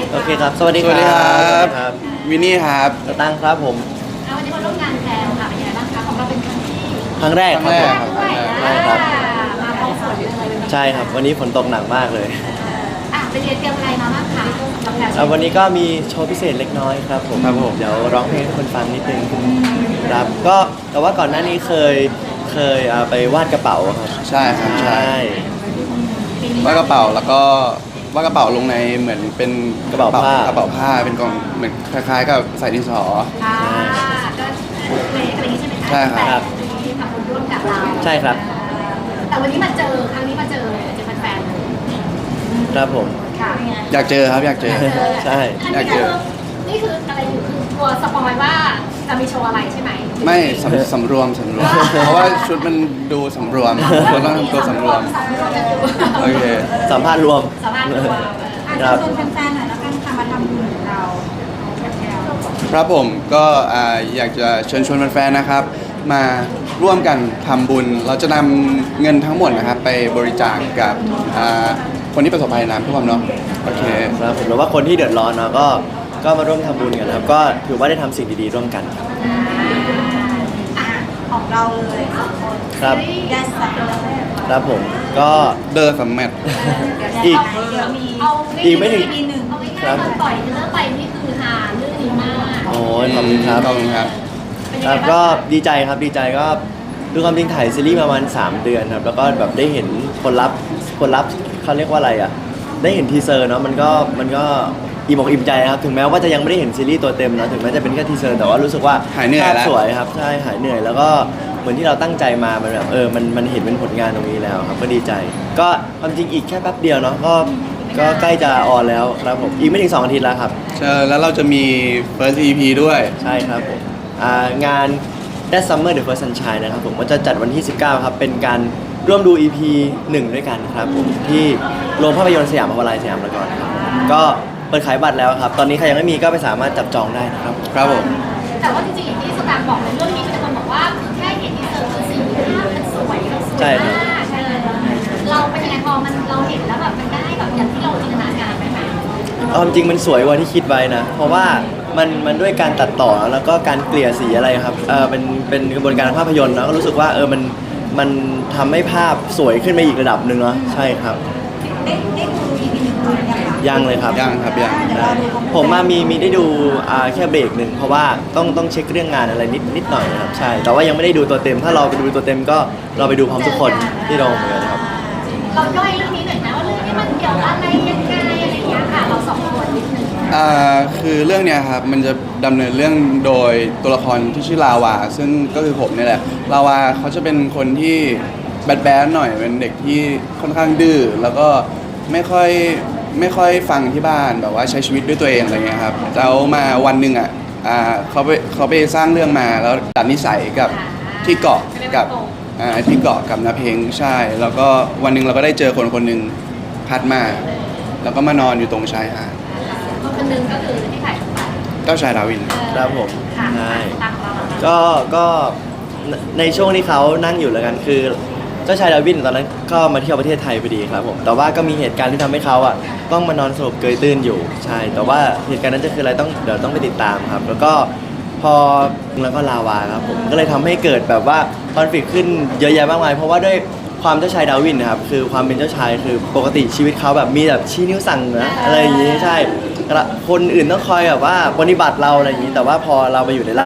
โอเคครับสวัสดีครับวินนี่ครับสตังค์ครับผมวันนี้มาร่วมงานแพลวค่ะเป็นยังไงบ้างคะของเราเป็นครั้งที่ครั้งแรกครับผมด้วยใช่ครับมาพร้อมฝนเลยใช่ครับวันนี้ฝนตกหนักมากเลยไปเรียนเตรียมอะไรมาบ้างคะสำหรับแพลวแล้ววันนี้ก็มีโชว์พิเศษเล็กน้อยครับผมครับผมเดี๋ยวร้องเพลงให้คนฟังนิดนึงครับก็แต่ว่าก่อนหน้านี้เคยไปวาดกระเป๋าครับใช่ครับใช่ปีนี้วาดกระเป๋าแล้วก็วาดกระเป๋าลงในเหมือนเป็นกระเป๋าผ้ากระเป๋าผ้าเป็นกล่องเหมือนคล้ายๆกับใส่ดินสอก็เพลงอะไรนี้ใช่ไหมคะใช่ครับที่ทำบุญร่วมกับเราใช่ครับแต่วันนี้มาเจอครั้งนี้มาเจอแฟนๆเลยครับผมค่ะอยากเจอครับอยากเจอใช่อยากเจอนี่คืออะไรอยู่คือกลัวสปอยว่าจะมีโชว์อะไรใช่ไหมไม่สำรวม เพราะว่าชุดมันดูสำรวมเราต้องทำตัวสำรวมโอเคสัมภาษณ์รวมสามารถดูว่าครับชวนแฟนๆหน่อยแล้วกันค่ะมาทำบุญกับเราครับผมก็อยากจะเชิญชวนแฟนๆนะครับ มาร่วมกันทำบุญ เราจะนำเงินทั้งหมดนะครับไปบริจาคกับคนที่ประสบภัยน้ำท่วมเนาะโอเคครับผมหรือว่าคนที่เดือดร้อนเนาะก็มาร่วมทำบุญกันนะครับก็ถือว่าได้ทำสิ่งดีๆร่วมกันครับของเราเลยสองคนครับแยกสัตว์ครับผมก็เดอร์สัมแมทอีกเดี๋ยวมีเอาอีกไม่ถึงปีหนึ่งเอาง่ายๆตอนปล่อยเนื้อไปนี่คือหาเรื่องนี้มากโอ้ยขอบคุณครับขอบคุณครับเป็นคยังรัไงบบ้างก็ดีใจครับดีใจก็ดูความจริงถ่ายซีรีส์ประมาณ3 เดือนครับแล้วก็แบบได้เห็นผลลัพธ์เขาเรียกว่าอะไรอ่ะได้เห็นทีเซอร์เนาะมันก็อิ่มอกอิ่มใจครับถึงแม้ว่าจะยังไม่ได้เห็นซีรีส์ตัวเต็มนะถึงแม้จะเป็นแค่ทีเซอร์แต่ว่ารู้สึกว่าหายเหนื่อยภาพแล้วสวยครับใช่หายเหนื่อยแล้วก็เหมือนที่เราตั้งใจมามันแบบมันเห็นเป็นผลงานตรงนี้แล้วครับก็ดีใจ ก็ความจริงอีกแค่แป๊บเดียวเนาะก็ใกล้จะออนแล้วครับผมอีกไม่ถึง2 อาทิตย์แล้วครับเชิญแล้วเราจะมี first EP ด้วยใช่ครับผมงาน That Summer The First Sunshine นะครับผมก็จะจัดวันที่ 19 ครับ เป็นการร่วมดู EP 1 ด้วยกันครับผมที่โรงภาพยนตร์สยามพาวาไลน์สยามพารากอนครับก็เปิดขายบัตรแล้วครับ ตอนนี้ใครยังไม่มีก็ไปสามารถจับจองได้นะครับครับผมแต่ว่าจริงๆอย่างที่สตางค์บอกในเรื่องนี้มีแต่คนบอกว่าคือแค่เห็นทีเซอร์คือสีภาพมันสวยมันสวยใช่ครับมากเราเป็นยังไงพอเราเห็นแล้วแบบมันได้แบบอย่างที่เราจินตนาการไหมคะเอาจริงมันสวยกว่าที่คิดไว้นะ เพราะว่ามันด้วยการตัดต่อแล้วก็การเกลี่ยสีอะไรครับเป็นกระบวนการทางภาพยนตร์นะก็รู้สึกว่ามันทำให้ภาพสวยขึ้นไปอีกระดับหนึ่งเนาะใช่ครับได้ดู EP หนึ่งเลยยังคะยังเลยครับยังครับยังเดี๋ยวเราดูพร้อมๆผมมีได้ดูแค่เบรกหนึ่งเพราะว่าต้องเช็คเรื่องงานอะไรนิดหน่อยนะครับใช่แต่ว่ายังไม่ได้ดูตัวเต็ม ถ้าเราไปดูตัวเต็มก็เราไปดูพร้อมทุกคนที่โรงเหมือนกันครับเราย่อยเรื่องนี้หน่อยนะว่าเรื่องนี้มันเกี่ยวอะไรยังไงอะไรอย่างเงี้ยค่ะเราสองคนนิดนึงคือเรื่องเนี้ยครับมันจะดำเนินเรื่องโดยตัวละครที่ชื่อลาวาซึ่งก็คือผมนี่แหละลาวาเขาจะเป็นคนที่แบดหน่อยเป็นเด็กที่ค่อนข้างดื้อแล้วก็ไม่ค่อยฟังที่บ้านแบบว่าใช้ชีวิตด้วยตัวเองอะไรเงี้ยครับแล้วมาวันหนึ่งเขาไปสร้างเรื่องมาแล้วดัดนิสัยกับที่เกาะกับที่เกาะกับนาเพงใช่ แล้วก็วันหนึ่งเราก็ได้เจอคนหนึ่งพัดมาแล้วก็มานอนอยู่ตรงชายหาดคนหนึงก็คือที่ถ่ายไปเจ้าชายดาวินครับผมค่ะใช่ตามเราก็ในช่วงที่เขานั่งอยู่แล้วกันคือเจ้าชายดาวินตอนนั้นก็มาเที่ยวประเทศไทยพอดีครับผมแต่ว่าก็มีเหตุการณ์ที่ทำให้เขาต้องมานอนสลบเกยตื้นอยู่ใช่ แต่ว่าเหตุการณ์นั้นจะคืออะไรเดี๋ยวต้องไปติดตามครับ แล้วก็พอแล้วก็ลาวาครับผมก็เลยทำให้เกิดแบบว่าคอนฟ lict ขึ้นเยอะแยะมากมายเพราะว่าด้วยความเจ้าชายดาวินนะครับคือความเป็นเจ้าชายคือปกติชีวิตเขาแบบมีแบบชี้นิ้วสั่งนะอะไรอย่างงี้ใช่คนอื่นต้องคอยแบบว่าปฏิบัติเราอะไรอย่างงี้แต่ว่าพอเราไปอยู่ใน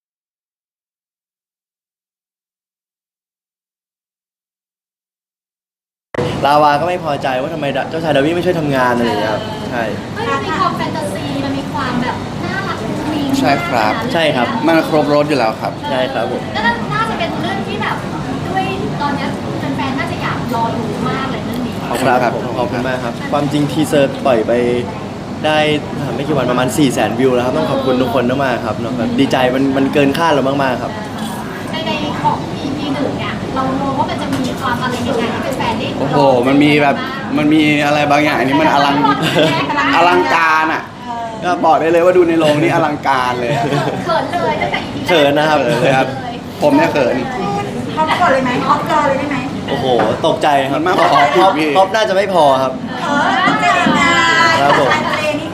ลาวาก็ไม่พอใจว่าทำไมเจ้าชายดาวินไม่ช่วยทำงานอะไรอย่างเงี้ยครับใช่มันมีความแฟนตาซีมันมีความแบบน่ารักมุ้งมิ้งใช่ครับใช่ครับมันครบรถอยู่แล้วครับใช่ครับผมก็น่าจะเป็นเรื่องที่แบบด้วยตอนเนี้ยแฟนๆน่าจะอยากรอดูมากเลยเรื่องนี้ขอบคุณครับผมขอบคุณมากครับ ความจริงทีเซอร์ปล่อยไปได้ไม่กี่วันประมาณ 400,000 วิวแล้วครับต้องขอบคุณทุกคนมากๆครับเนาะแบบดีใจมันเกินคาดเรามากๆครับในของ EP หนึ่งเนี่ยเรามองว่ามันจะมีความอะไรยังไงที่เป็นแฟนได้โอ้โห มันมีแบบ มันมีอะไรบางอย่างอันนี้มันอลังการอ่ะ ก็บอกได้เลยว่าดูในโรงนี่อลังการเลยอะเขินเลยตั้งแต่ EP เขินนะครับเขินเลยครับ ผมเนี่ยเขินเขาก่อนเลยไหมออฟรอเลยได้ไหมโอ้โหตกใจครับมันมากกว่าท็อปพี่ท็อปน่าจะไม่พอครับต้องเจอกันครับผมชายทะเลนี่คือต้องเห็น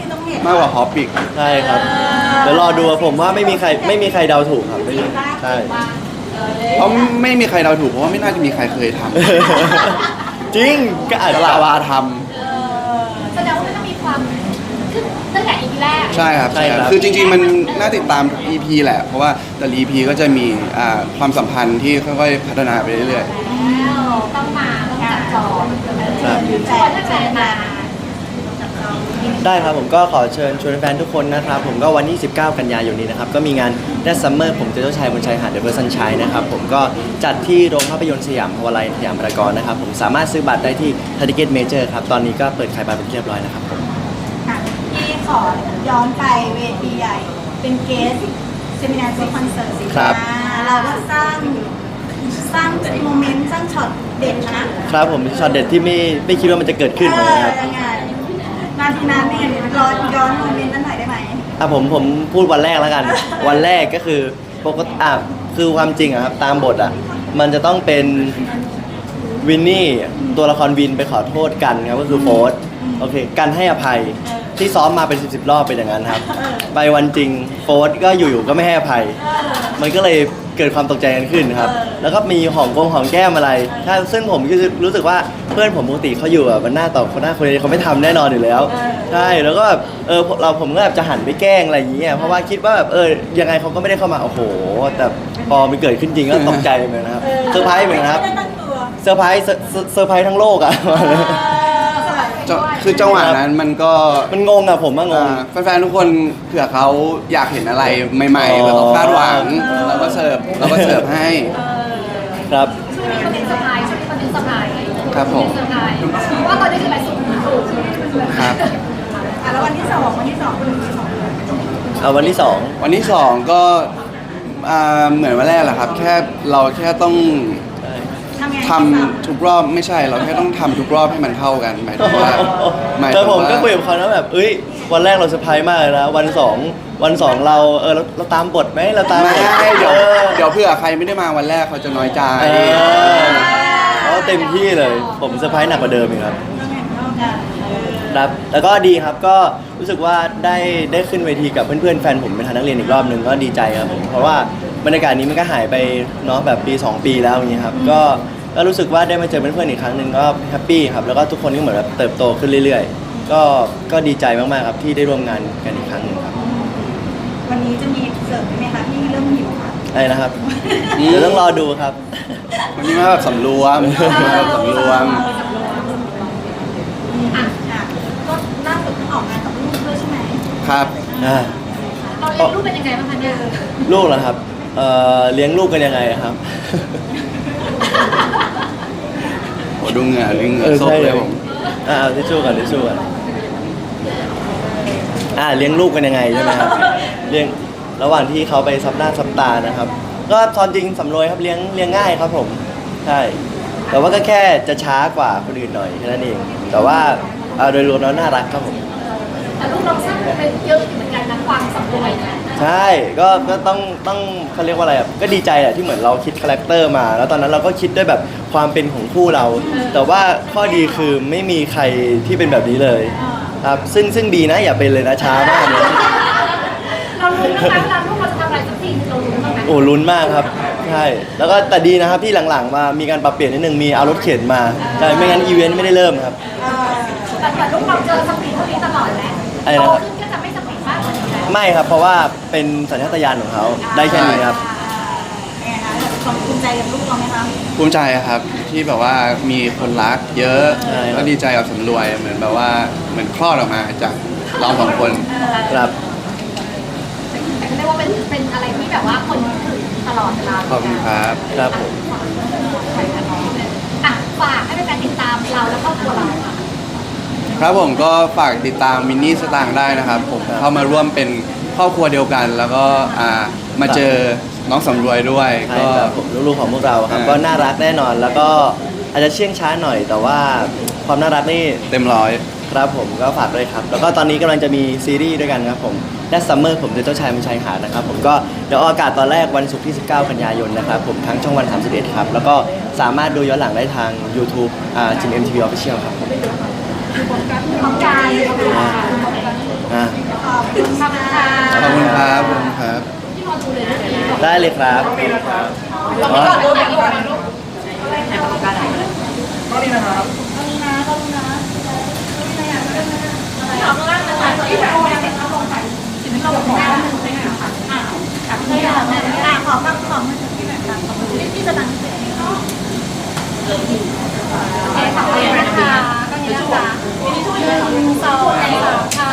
มากกว่าฮอปอีกใช่ครับเดี๋ยวรอดูผมว่าไม่มีใครเดาถูกครับไม่มีใช่เพราะไม่มีใครเดาถูกเพราะว่าไม่น่าจะมีใครเคยทำจริงก็อาจแต่จะลาวาทแสดงว่ามันต้องมีความคือตั้งแต่ EP แรกำใช่ครับคือจริงๆมันน่าติดตามทุก EP แหละเพราะว่าแต่ละ EP ก็จะมีความสัมพันธ์ที่ค่อยๆพัฒนาไปเรื่อยแล้วต้องมาต้องจับจองครับชวนแฟนๆมาได้ครับผมก็ขอเชิญชวนแฟนทุกคนนะครับผมก็วันที่ 19 กันยายนนี้นะครับก็มีงาน That Summer ผมเจ้าชายบนชายหาด The First Sunshine นะครับผมก็จัดที่โรงภาพยนตร์สยามพาวาไลน์สยามพารากอนนะครับผมสามารถซื้อบัตรได้ที่ Ticket Major ครับตอนนี้ก็เปิดขายบัตรเป็นที่เรียบร้อยแล้วครับผมพี่ขอย้อนไปเวทีใหญ่ เป็นเกสเซมินาร์ซีคอนเสิร์ตครับเราก็สร้างโมเมนต์สร้างช็อตเด็ดนะครับผมช็อตเด็ดที่ไม่คิดว่ามันจะเกิดขึ้นนะครับยังไงนาทีนั้นเนี่ยย้อนโมเมนต์นั้นหน่อยได้ไหมผมพูดวันแรกแล้วกัน วันแรกก็คือปกติคือความจริงอะครับตามบทอะมันจะต้องเป็นวินนี่ตัวละครวินไปขอโทษกันครับก็คือโฟสโอเคกันให้อภัยที่ซ้อมมาเป็น10 รอบเป็นอย่างนั้นครับไปวันจริงโฟสก็อยู่ๆก็ไม่ให้อภัย มันก็เลยเกิดความตกใจกันขึ้นครับ แล้วก็มีหอมแก้มอะไรถ้าซึ่งผมก็รู้สึกว่าเพื่อนผมปกติเขาอยู่แบบมันหน้าต่อคนหน้าคนนี้เขาไม่ทำแน่นอนอยู่แล้ว ใช่ แล้วก็แบบผมก็แบบจะหันไปแกล้งอะไรอย่างเงี้ย เพราะว่าคิดว่าแบบยังไงเขาก็ไม่ได้เข้ามา โอ้โห แต่พอมันเกิดขึ้นจริงก็ตกใจเหมือนกันนะครับ เซอร์ไพรส์เหมือนกันครับไม่ได้ตั้งตัวเซอร์ไพรส์ทั้งโลกอ่ะคือจังหวะนั้นมันก็มันงงอ่ะผมว่างงแฟนๆทุกคนเผื่อเขาอยากเห็นอะไรใหม่ๆแล้วก็คาดหวังเราก็เสิร์ฟให้ครับช่วงนี้มันเป็นสบายช่วงนี้มันเป็นสบายครับผมสบายเพราะว่าตอนนี้คือไปสุดถูกครับแล้ววันที่สองเป็นวันที่สองเอาวันที่สองวันที่ 2 ก็เหมือนวันแรกแหละครับ เราแค่ต้องทำไงทำทุกรอบไม่ใช่เราแค่ต้องทำทุกรอบให้มันเท่ากันหมายถึงว่าแต่ผมก็คุยกับเขานะแบบวันแรกเราเซอร์ไพรส์มากเลยนะวันสองเราตามบทไหมเราตามไม่บทเดี๋ยวเผื่อใครไม่ได้มาวันแรกเขาจะน้อยใจเขาเต็มที่เลย ผมเซอร์ไพรส์หนักกว่าเดิมอีกครับครับแล้วก็ดีครับก็รู้สึกว่าได้ขึ้นเวทีกับเพื่อนๆแฟนผมเป็นทางนักเรียนอีกรอบหนึ่งก็ดีใจครับผมเพราะว่าบรรยากาศนี้มันก็หายไปเนาะแบบปี 2 ปีแล้วอย่างเงี้ยครับก็รู้สึกว่าได้มาเจอเพื่อนๆอีกครั้งหนึ่งก็แฮปปี้ครับแล้วก็ทุกคนก็เหมือนแบบเติบโตขึ้นเรื่อยๆก็ดีใจมากๆครับที่ได้ร่วมงานกันอีกครั้งหนึงครับวันนี้จะมีเสิร์ฟไหมคะที่เริ่มหิวค่ะอะไรนะครับเดี๋ยวต้องรอดูครับวันนี้มาแบบสำรวมมาแบบสำรวมอ่ะก็ล่าสุดเพิ่งออกงานกับลูกด้วยใช่ไหมครับเราเลี้ยงลูกเป็นยังไงบ้างคะเนี่ยลูกเหรอครับเลี้ยงลูกกันยังไงอะครับโหดูเหงื่อซกเลยผมเอาทิชชู่ก่อนเลี้ยงลูกกันยังไงใช่ไหมครับเลี้ยงระหว่างที่เขาไปซับหน้าซับตานะครับ ก็ตอนจริงสำรวยครับเลี้ยงง่ายครับผมใช่แต่ว่าก็แค่จะช้ากว่าคนอื่นหน่อยแค่นั้นเองแต่ว่าโดยรวมแล้วน่ารักครับผมแต่ลูกเราสร้างเป็นเยอะอยู่เหมือนกันนะความสำรวยนะใช่ก็ต้องเขาเรียกว่าอะไรอ่ะก็ดีใจอ่ะที่เหมือนเราคิดคาแรคเตอร์มา แล้วตอนนั้นเราก็คิดด้วยแบบความเป็นของคู่เรา แต่ว่าข้อดีคือไม่มีใครที่เป็นแบบนี้เลยครับซึ่งดีนะอย่าเป็นเลยนะช้ามากเลยเราลุ้นนะเวลาลูกเราจะทำอะไรสักสิ่งเราลุ้นบ้างไหมโอ้ลุ้นมากครับใช่แล้วก็แต่ดีนะครับที่หลังๆมามีการปรับเปลี่ยนนิดนึงมีเอารถเข็นมาใช่ไม่งั้นอีเวนต์ไม่ได้เริ่มครับแต่ลูกเราเจอสปีดเท่านี้ตลอดแหละอะไรโตนะครับขึ้นก็จะไม่สปีดมากกว่านี้แล้วไม่ครับเพราะว่าเป็นสัญชาตญาณของเขาได้แค่นี้ครับไงคะความภูมิใจกับลูกเราไหมคะภูมิใจครับที่แบบว่ามีคนรักเยอะใช่ครับก็ดีใจกับสำรวยเหมือนแบบว่าเหมือนคลอดออกมาจากเราสองคนครับแต่ก็เรียกว่าเป็นอะไรที่แบบว่าคนถึงตลอดเวลาขอบคุณครับครับผมอ่ะฝากให้เป็นการติดตามเราและครอบครัวเราค่ะครับผมก็ฝากติดตามมินนี่สตางค์ได้นะครับ ผมเข้ามาร่วมเป็นครอบครัวเดียวกัน แล้วก็มาเจอน้องสำรวยด้วยใช่ก็ครับผมลูกๆของพวกเราครับก็น่ารักแน่นอน แล้วก็อาจจะเชื่องช้าหน่อย แต่ว่าความน่ารักนี่เต็มร้อยครับผมก็ฝากด้วยครับ แล้วก็ตอนนี้กำลังจะมีซีรีส์ด้วยกันครับผม That Summer ผมเจ้าชายบนชายหาดนะครับผมก็เดี๋ยวออกอากาศตอนแรกวันศุกร์ที่ 19 กันยายนนะครับผมทั้งช่องวัน 31 ครับ แล้วก็สามารถดูย้อนหลังได้ทาง YouTube จิม MTV Official ครับผมของการอ่าได้เลยครับอ๋อขอบ้างของที่ไหนคะของที่จะตั้งเสียงโอเคขอบคุณนะคะก็นี้นะคะ1 2 3ค่ะ